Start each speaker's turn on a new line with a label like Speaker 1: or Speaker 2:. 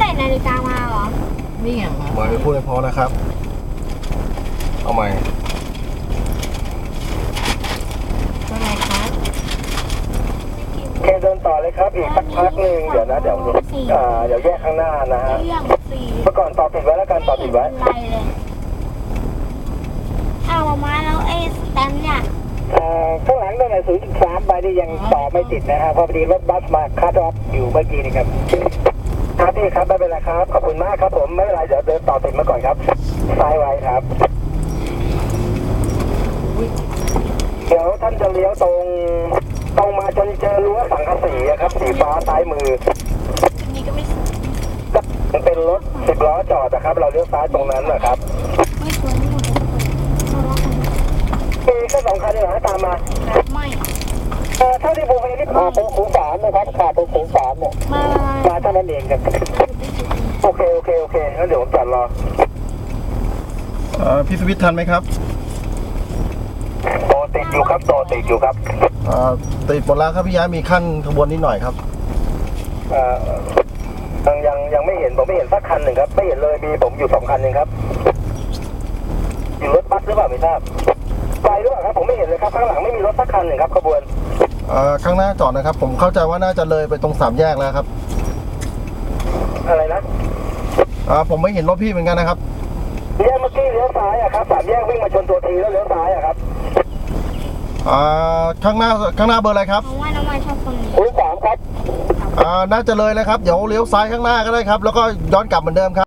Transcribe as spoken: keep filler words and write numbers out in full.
Speaker 1: ใส่นาฬิกามาเหรอนี่อย่างวะ
Speaker 2: หมายพูดให้พอนะครับเอาใหม่
Speaker 1: อะไรครับ
Speaker 3: เคเดินต่อเลยครับอีกสักพักหนึ่งเดี๋ยวนะเดี๋ยวอ่าเดี๋ยวแยกข้างหน้านะฮะ
Speaker 1: เรื่องสี่
Speaker 3: เมื่อก่อนต่อติดไว้แล้วกันต่อติดไว้
Speaker 1: ไรเลยเอามามาแล้วไอ้สแตมป์เนี่ย
Speaker 3: อ่าข้างหลังตั้งแต่ศูนย์จุดสามใบนี่ยังต่อไม่ติดนะฮะเพราะพอดีรถบัสมาคัดออฟอยู่เมื่อกี้นี่ครับครับพี่ครับไม่เป็นไรครับขอบคุณมากครับผมไม่เป็นไรเดี๋ยวเดินต่อติดมาก่อนครับซ้ายไว้ครับ เดี๋ยวท่านจะเลี้ยวตรงตรงมาจนเจอรั้วสังกะสีอะครับสีฟ้าซ้ายมือ
Speaker 1: นี่ก็ไม่
Speaker 3: มันเป็นรถสิบล้อจอดนะครับ เราเลี้ยวซ้ายตรงนั้นนะครับ
Speaker 1: ไม่สวยไม่หมดเลยทะเลาะกัน
Speaker 3: มีแค่สองคันเลยนะตามมา
Speaker 1: ไม่
Speaker 3: เออเท่าที่ผมเห็นนี่ขาดตรงศูนย์สามนะครับขาดตรงศูนย์สามเนี่ย
Speaker 1: มา
Speaker 3: มาเท่านั้นเองครับโอเคโอเคโอเคงั้นเดี๋ยวผมจอดรอ
Speaker 2: เอ่อพี่สวิตทันไหมครับ
Speaker 3: โตติดอยู่ครับโตติดอยู่ครับ
Speaker 2: เอ่อติดหมดแล้วครับพี่ย้ายมีขั้นขบวนนิดหน่อยครับ
Speaker 3: เอ่อยังยังยังไม่เห็นผมไม่เห็นสักคันหนึ่งครับไม่เห็นเลยมีผมอยู่สองคันเองครับอยู่รถบัสหรือเปล่าไม่ทราบไปหรือเปล่าครับผมไม่เห็นเลยครับข้างหลังไม่มีรถสักคันหนึ่งครับขบวน
Speaker 2: เอ่อข้างหน้าจอดนะครับ ผมเข้าใจว่าน่าจะเลยไปตรงสามแยกแล้วครับ
Speaker 3: อะไรนะ
Speaker 2: เอ่อผมไม่เห็นรถพี่เหมือนกันนะครับ
Speaker 3: แยกเมื่อกี้เลี้ยวซ้ายอะครับสามแยกวิ่งมาชนตัวทีแล้วเลี้ยวซ้ายอะครับ
Speaker 2: เอ่อข้างหน้าข้างหน้าเบอร์อะไรครับ
Speaker 1: น้องว่าน้องว่าชอบคนนี้
Speaker 3: ศูนย์สามครับ
Speaker 2: เอ่อน่าจะเลยเลยครับเดี๋ยวเลี้ยวซ้ายข้างหน้าก็ได้ครับ แล้วก็ย้อนกลับเหมือนเดิมครับ